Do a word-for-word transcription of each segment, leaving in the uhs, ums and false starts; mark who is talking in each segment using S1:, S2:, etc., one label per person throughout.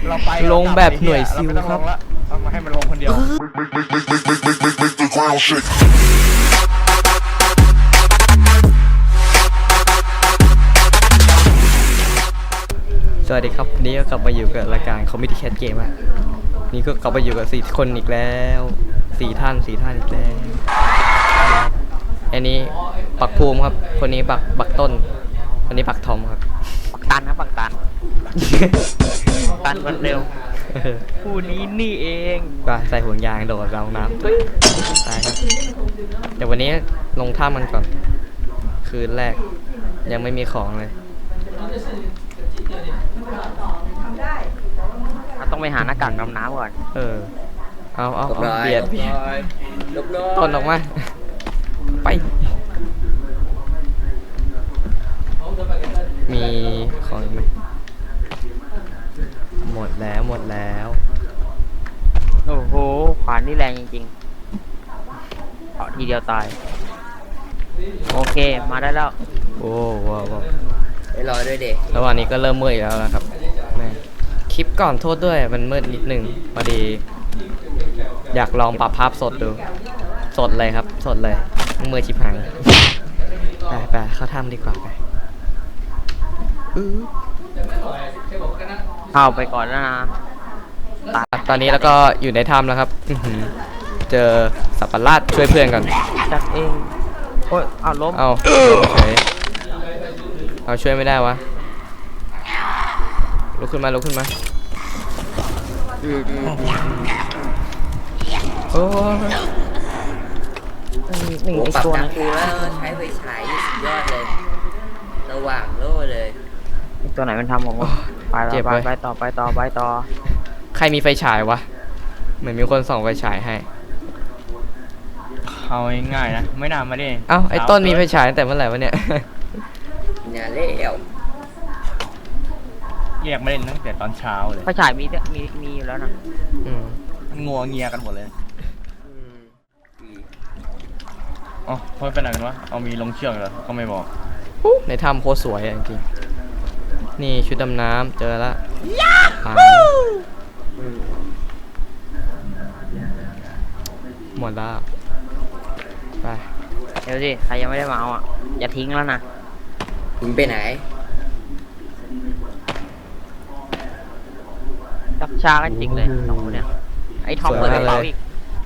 S1: เราไป
S2: ลงแบบหน่วยซิลครับ
S1: เอามาให้มันลงคนเดียว
S2: สวัสดีครับวันนี้ก็กลับมาอยู่กับรายการ Comedy Cat Game อ่ะนี่ก็กลับมาอยู่กับสี่คนอีกแล้วสี่ท่านสี่ท่านอีกแล้วอันนี้ปักภูมิครับคนนี้ปักปักต้นคนนี้ปักทอมครับ
S3: ปักตันครับปักตัน ตันคนเร็วผู้นี้นี่เอง
S2: ก็ใส่ห่วงยางโดดลงน้ำตายครับเดี๋ยววันนี้ลงท่ามันก่อนคืนแรกยังไม่มีของเลย
S3: เราต้องไปหาหน้ากากดำน้ำก่อน
S2: เออเอาเอาเอาเบียดเบียดต้นออกมาไปมีของอีกไหมหมดแล้วหมดแล้ว
S3: โอ้โหขวานนี่แรงจริงๆเอาทีเดียวตายโอเคมาได้แล้ว
S2: โอ้ว้าวว้าว
S4: ไปรอด้วยเด็ก
S2: ระหว่างนี้ก็เริ่มมืดอีกแล้วนะครับแม่คลิปก่อนโทษด้วยมันมืดนิดนึงพอดี อยากลองปรับภาพสดดูสดเลยครับสดเลยมือชิบหายไปไปเข้าถ้ำดีกว่าไปอื้อ
S3: เข้าไปก่อนแล้วนะ
S2: ตอนนี้แล้วก็อยู่ในถ้ำแล้วครับอื้อหือเจอสับปะรดช่วยเพื่อนก่อน
S3: จัดเองโอ้ยเอาล้ม
S2: เอาเฉยเอาช่วยไม่ได้วะลุกขึ้นมาลุกขึ้นมาโอ้ย
S3: นี่
S4: โอ้
S3: ไอ
S4: ปรับ
S3: ตัว
S4: ดั
S3: นั้
S4: ง
S3: น
S4: กูแล้วใช้ไฟฉายนี่สุดยอดเลยระหว่างโล่เลย
S3: ไอตัวไหนมันทำของมันไปต่อไปไปต่อไปต่อไปต่อ
S2: ใครมีไฟฉายวะเหมือนมีคนส่องไฟฉายให้
S1: เอาง่ายๆนะไม่นานมาดิ
S2: เอ้าไอ้ต้นมีไฟฉายตั้งแต่เมื่อไหร่วะเนี่ย
S4: อย่าเลี้ยว
S1: เรียกไม่เล่นตั้งแต่ตอนเช้าเลย
S3: ไฟฉายมีมีมีอยู่แล้วนะ
S2: อืม
S1: มันงัวเงียกันหมดเลย
S4: อืมดี
S1: อ๋อเพิ่งไปไหนกันวะเอามีลงเชือกเหรอก็ไม่บอก
S2: ในถ้ำโคตรสวยอ่ะจริงๆนี่ชุดดำน้ำเจอละหาย
S4: อืม
S2: หมดแล้วไป
S3: เดี๋ยวสิใครยังไม่ได้มาเอาอ่ะอย่าทิ้งแล้วนะ
S4: มึงไปไหน
S3: จับชากันจริงเลยสองคนเนี่ยไอ้ทอมเปิดกระเป๋าอีก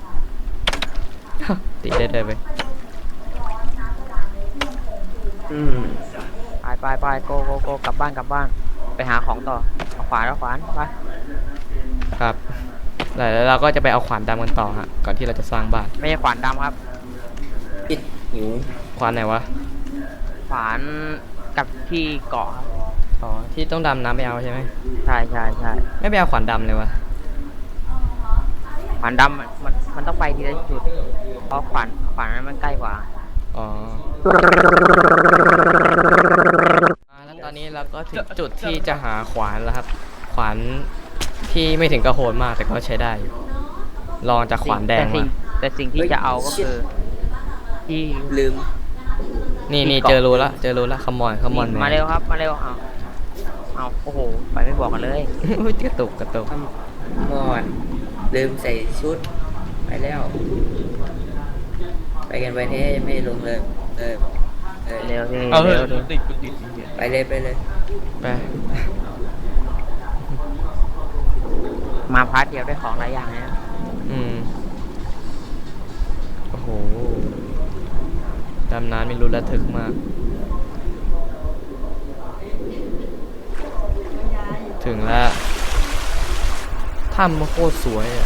S2: ติดได้เลยไป
S4: อืม
S3: ไปไปไปโกโกโกกลับบ้านกลับบ้านไปหาของต่อเอาขวานเอาขวานไป
S2: ครับแล้วเราก็จะไปเอาขวานดำกันต่อฮะก่อนที่เราจะสร้างบ้าน
S3: ไม่ใช่ขวานดำครับ
S4: ปิดหิว
S2: ขวานไหนวะ
S3: ขวานกับที่เกาะครับ
S2: อ๋อที่ต้องดำน้ำไปเอาใช่ไหม
S3: ใช่ใช่ใช่
S2: ไม่ไปเอาขวานดำเลยวะ
S3: ขวานดำมันมันมันต้องไปทีละจุดเพราะขวานขวานนั้นมันใกล้กว่า
S2: อ๋อแล้วตอนนี้เราก็ถึงจุดที่จะหาขวานแล้วครับ ขวานที่ไม่ถึงกระโหนมากแต่ก็ใช้ได้อยู่ลองจากขวานแดง
S3: แต่สิ่
S2: มา
S3: แต่สิ่งที่จะเอาก็คือที่
S4: ลืม
S2: นี่นี่เจอรู้ละเจอรู้ละขมอนขมอน
S3: มาเร็วครับมาเร็วเอาเอาโอ้โหไปไม่บอกกันเลย
S2: อุ้ยกระตุกกระตุก
S4: มอดลืมใส่ชุดไปแล้ว ไปกันไปเท่ยังไม่ลงเลยเออเออ
S3: เร็วสิ
S1: เอาเถ
S3: เร็ว
S1: อะ
S3: สิ
S1: ติดติดติดติด
S4: ไปเลยไปเลย
S2: ไป
S3: มาพาร์ทเดียวได้ของหลายอย่างนะ
S2: อืมโอ้โหดำน้ำไม่รู้ระทึกมากถึงแล้วถ้ำมันโคตรสวยอ่ะ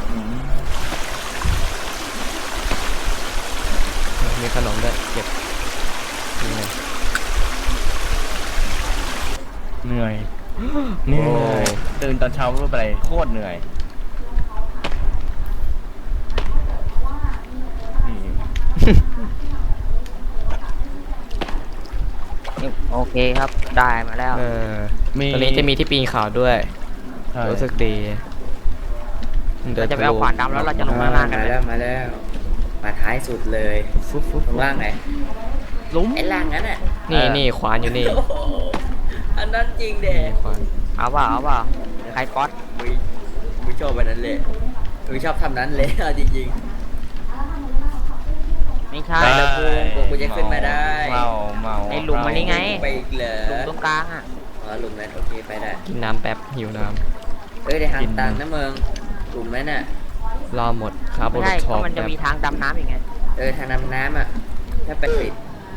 S2: มีขนมด้วยเก็บนี่ไง
S1: เหนื่อยเหนื่อยตื่นตอนเช้าไม่รู้ไปอะไรโคตรเหนื่อยนี่
S3: โอเคครับได้มาแล้ว
S2: เออตอนนี้จะมีที่ปีนเขาด้วย
S1: ใช่
S2: รู้สึกดี
S3: เราจะไปเอาขวานดำแล้วเราจะลงมาล่างกัน
S4: มา
S3: เลย
S4: แล้วมาแล้วมาท้ายสุดเลย
S2: ฟุ๊บฟุ๊บ
S4: ลงล่างไหน
S3: ลุ้ม
S4: ไอ้ล่างนั้นอ่ะ
S2: นี่นี่ขวานอยู่นี่
S4: โอ้โหอันนั้นจริงเด็
S2: นี่ขวาน
S3: เอาเปล่าเอาเปล่า
S4: เ
S3: ครก๊อต
S4: มึงมึงชอบแบบนั้นเลยมึงชอบทำนั้นเลยเอาจริง
S3: ไม่ใช่
S4: ได้ แล้วกูกูกูจะขึ้นมาได้
S1: เมาเมา
S3: ไอ้หลุมมันนี่ไง
S4: ๆไปอีกเหรอ
S3: หลุมตรงกลางอ่ะ
S4: อ๋อหลุมนั้นโอเคไปได้
S2: กินน้ำแป๊บหิวน้
S4: เอ้ยได้ทางตันนะมึงหลุมนั้นน่ะ
S2: ำรอหมดครับ
S3: ไม่ใช่
S2: ช
S3: ก็
S2: อบ
S3: มันจะมีทางดำน้ำอีกไง
S4: เออทางน้ำน้ำอ่ะถ้าไปปิด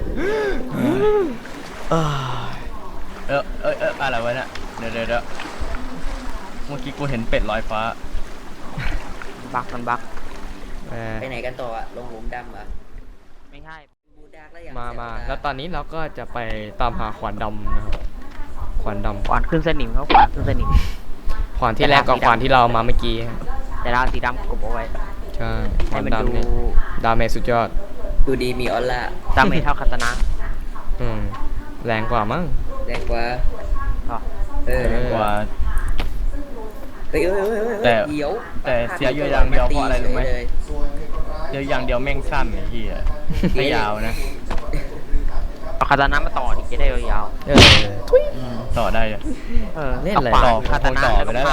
S2: เอ้ย
S1: เออเออเอออะไรวะเนี่ยเดี๋ยวเดี๋ยวเดี๋ยวเมื่อกี้กูเห็นเป็ดลอยฟ้า
S3: บักมันบัก
S2: แหม
S4: ไปไหนกันต่ออ่ะลงหลุมดำเหรอ่ะ
S3: ไม่ใช่
S4: บูดากแล้วอย่าง
S2: มามา
S4: เสียเว
S2: แล้วตอนนี้เราก็จะไปตามหาขวานดำนะครับขวานด
S3: ขวานขึ้นสนิมเขาขวานขึ้นสนิม
S2: ำขวานที่แรกกับขวานที่เรามาเมื่อกี้ฮะ
S3: แต่เราสีดำกบเอาไว้
S2: ใช่ข
S3: ให้
S2: วาน
S3: มันดู
S2: ดำเนี่ยดาเมจสุดยอด
S4: ดูดีมีออร่า
S3: ดาเมจเท่าคาตานะ
S2: อืมแรงกว่ามั้ง
S4: แรงกว่า
S3: อ๋อ
S4: เออ
S2: เออ
S1: กว่า
S4: เฮ้ยเฮ้ยเฮ้ยเฮ้ย
S1: แต่
S4: เดี๋ยว
S1: แต่เสียอยู่อย่างเดียวเพราะอะไรรู้ไหม
S4: เลย
S1: เดี๋ยวอย่างเดียวแม่งสั้นไอ้เหี้ยไม่ยาวนะ
S3: เอาคาตานะมาต่อดิจะได้ยาว
S2: เออทุย
S1: อืมต่อได้อะ
S3: ๆเออ
S2: เล่นอะไร
S3: อาขวา
S1: ต่อ
S3: คาตานะ
S1: ต่อ
S3: แล้ว
S1: ไป
S3: ก็
S1: ได้
S3: ฆ่า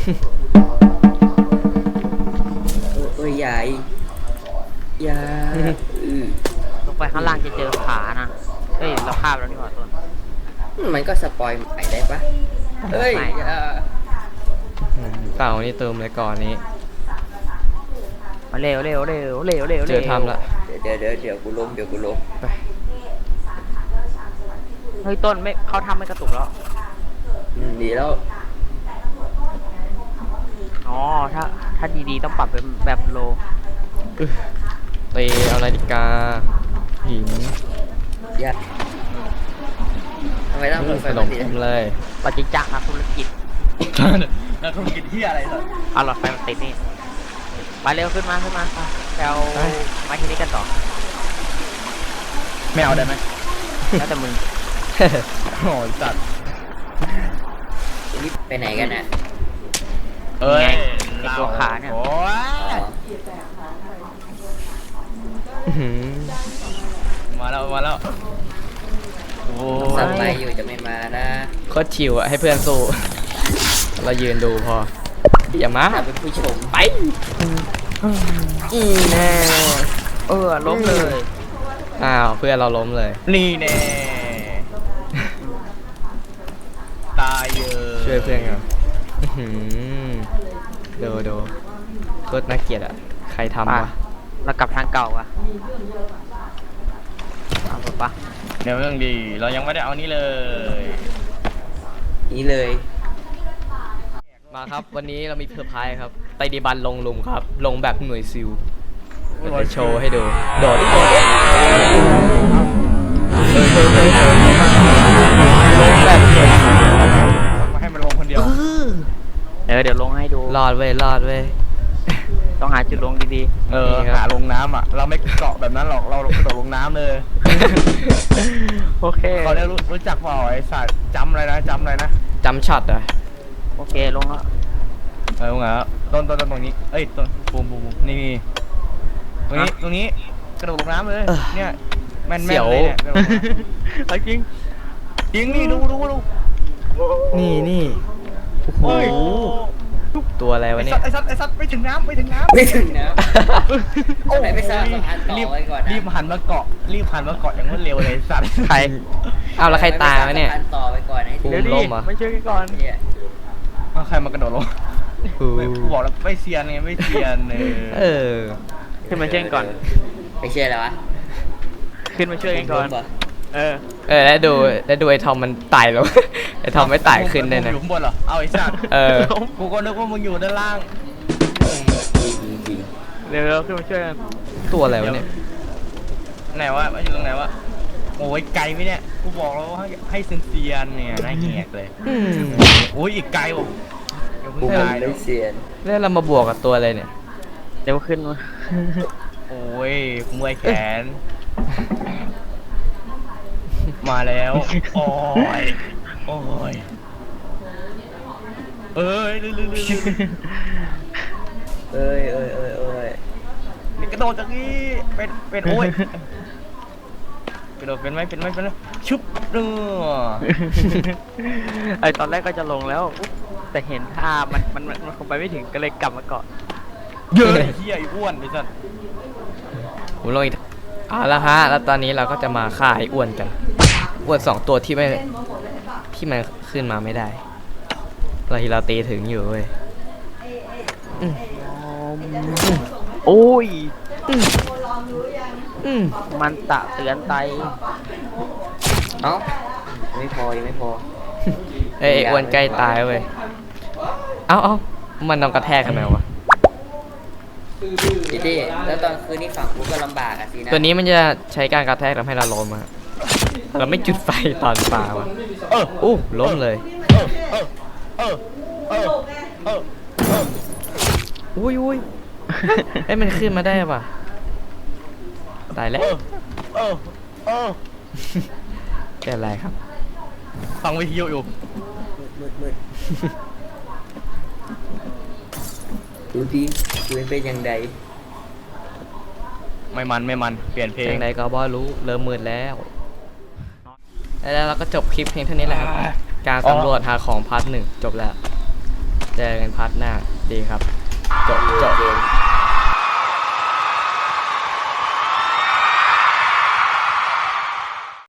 S4: เออเอ้ยใหญ่ใหญ่อือ
S3: ลงไปข้างล่างจะเจอขานะเฮ้ยเราฆ่าไปแล้วนี่หว่าต้น
S4: มันก็สปอยใหม่ได้ปะเฮ้ย
S3: ไม่
S4: อย่า
S2: อืมเต่านี่เติมเลยก่อนนี้
S3: มาเร็วเร็วเร็วเร็วเร็ว
S2: เจอทำละ
S4: เดี๋ยวเดี๋ยวเดี๋ยวกูล้มเดี๋ยวกูล้ม
S2: ไป
S3: เฮ้ยต้นไม่เขาทำไม่กระตุกแล้ว
S4: อืมดีแล้ว
S3: อ๋อถ้าถ้าดีๆต้องปรับเป็นแบบโล
S2: อึ๊ะตีเอานาฬิกาหิน
S4: อย่าทำไมต้อง
S2: อื
S4: เปิ
S2: ม
S4: ดไฟ
S2: ขน
S4: แบบ
S2: ม
S4: นี้
S2: เต็มเลย
S3: ปฏิจจคธุรกิจ
S1: แล้วธุรกิจที่อะไรเหรอ
S3: เอาหลอดไฟมาติดนี่ไปเร็วขึ้นมาขึ้นมาไปไปเอาไม้ที่นี้กันต่อ
S1: ไม่เอาได้ไหม
S3: แล้วแต่มึง
S1: โอ้ยสัตว์
S4: นี่ไปไหนกันอ่ะ
S1: เอ้ย
S3: ไงไอ้ตัวขาเนี่ย
S1: โอ้ย
S4: อ๋อ
S2: อื้อหือ
S1: มาแล้วมาแล้วโอ้
S4: สั
S1: ย
S4: บไปอยู่จะไม่มานะ
S2: โคตรชิวอะให้เพื่อนสู้ เรายืนดูพอ อย่ามา
S4: ถ้าเป็นผู้ชม
S2: ไป
S4: อีแน่
S3: เออล้มเลย
S2: อ้าวเพื่อนเราล้มเลย
S1: นี่แน่ตายเยอะ
S2: ช่วยเพื่อนกันอื้อหือดูดูโคตรน่าเกลียดอ่ะ ใครทำ
S3: ป่ะ
S2: วะ
S3: เรากลับทางเก่าอ่ะเอาไปปะ
S1: เดี๋ยวเรื่องดี เรายังไม่ได้เอานี่เลย
S4: นี่เลย
S2: มาครับ วันนี้เรามีเซอร์ไพรส์ครับไตรดิบันลงหลุมครับ ลงแบบหน่วยซิลเดี๋ยวจะโชว์ให้ดู โดดดิโดดดิลงแบบหน่วยซิล
S1: มาให้มันลงคนเดียว
S3: เออเดี๋ยวลงให้ดู
S2: รอดเว้ยรอดเว้ย
S3: ต้องหาจุดลงดี
S1: เออ
S2: นี่ครับ
S1: หาลงน้ำอ่ะ เราไม่เกาะแบบนั้นหรอก เรากระโดดลงน้ำเลย
S3: ๆ โอเค
S1: เขาได้รู้รู้จักเปล่าไอ้สัตว์จำอะไรนะจำอะไรนะ
S2: จำช็อตอ่ะ
S3: โอเคลงแล้ว
S1: เออไงครับต้นต้นต้นตรงนี้ เอ้ยต้นปูมปูมปูมนี่นี่ตรงนี้ ตรงนี้ กระโดดลงน้ำเลย เนี่ย แม่นแม่นเลยเนี่ยกระโดดลงน้ำ
S3: เอาจริง
S1: จริงนี่ดูดูดู
S2: นี่นี่โอ้โห
S1: โอ้ย
S2: ตัวอะไร
S1: ไอ้
S2: วะเนี่
S1: สั
S2: ย
S1: ตว์ไอ้สัตว์ไอ้สัตว์ไม่ถึงน้ำไม่ถึงน้ำ
S4: ไม่ถึงนะ
S1: โอ้
S4: ไหนไปสร้างสะพานต่อ
S1: รีบ
S4: ไว้ก่อนนะ
S1: รีบหันมาเกาะ รีบหันมาเกาะอย่างรวดเร็วเลยไอ้สัตว์
S3: ใคร
S2: อ้าวแล้วใครตายวะเนี่ย
S4: สะพานต่อไปก่อนให้
S2: ภู
S4: ถึง
S2: มิ
S3: เดี๋ยวดิ
S2: ล่มเหรอ
S3: ไม่ช่วยกันก่อน
S4: เนี่ย
S1: เอาใครมากระโดดลง
S2: โอ้โห
S1: ไม่กูบอกแล้วไม่เซียนไงไม่เซียนเอ
S2: เอ
S1: อ
S2: อ
S3: ขึ้นมาช่วยกันก่อน
S4: ไม่เชื่อแล้ววะ
S3: ขึ้นมาช่วยกันก่อน
S4: ผมล้มเหร
S3: เออ
S2: เออแล้วดูแล้วดูไอ้ทอมมันไต่ลง ไอ้ทอมไม่ไต่ขึ้นเลยนะ
S1: มึงอยู่ข้างบนเหรอ เอาไอ้สัตว์
S2: เออ
S1: กูก็นึกว่ามึงอยู่ด้านล่าง
S4: จริงจริง
S3: เร็วๆขึ้นมาช่วยกัน
S2: ตัวอะไรวะเนี่ย
S1: ไหนวะมันอยู่ตรงไหนวะ โอ้ยไกลไหมเนี่ย กูบอกแล้วว่าให้ให้เซียนๆเนี่ยน่าเงียบเลย
S2: อืม
S1: โอ้ยอีกไกลว่ะเดี๋ยว
S4: กู
S1: เพิ่ง
S4: มัน
S1: ตายเล
S4: ไม่
S1: ย
S4: เซียน
S2: แล้วเรามาบวกกับตัวอะไรเนี่ย
S3: เดี๋ยวขึ้นมา
S1: โอ้ยเมื่อยแขน มาแล้ว โอ้ย โอ้ย เอ้ยลืมลืมลืม
S4: เอ้ยเอ้ยเอ้ยเอ้ย
S1: นี่กระโดดจากนี้เป็นเป็นโอ้ยกระโดดเป็นไหมเป็นไหมเป็นไหมชุบเนื้อ
S3: ไอตอนแรกก็จะลงแล้วแต่เห็นท่ามันมันมันมันคงไปไม่ถึงก็เลยกลับมาก่อน
S1: เยอะไอ้เหี้ยไอ้อ้วนไอ้สัส
S2: ผมลงอีกเอาละฮะแล้วตอนนี้เราก็จะมาฆ่าไอ้อ้วนกันอ้วนสองตัวที่ไม่ที่มันขึ้นมาไม่ได้เราที่เราตีถึงอยู่เว้ยอืม
S3: โอ้ย
S2: อืม
S3: มันตะเตือนไต
S4: เอ้าไม่พอยังไม่พอ
S2: เอ้ยไอ้อ้วนใกล้ตายเว้ยเอ้าเอ้ามันนอนกระแทกกันไหมวะ
S4: เจเจแล้วตอนคืนนี้ฝั่งกูก็ลำบากอะสินะ
S2: ตัวนี้มันจะใช้การกระแทกทำให้เราล้มอะเราไม่จุดไฟตอนปลาวะ
S1: เออ
S2: อู้ล้มเลย
S1: เออเออเออเออเออเออ
S2: อุ้ยอุ้ยเอ้ยมันขึ้นมาได้ป่ะตายแล้ว
S1: เออเออเออ
S2: เกิดอะไรครับ
S1: ฟังวิทยุอยู่
S4: มืดมืดดูดิดูเป็นยังไง
S1: ไม่มันไม่มันเปลี่ยนเพล
S2: เพล
S1: ง
S2: งใดก็บอรู้เริ่มมืดแล้ว แล้วเราก็จบคลิปเพียงเท่านี้แหละครับ การสำรวจหาของพาร์ทหนึ่งจบแล้ว เจอกันพาร์ทหน้าดีครับ จบจบ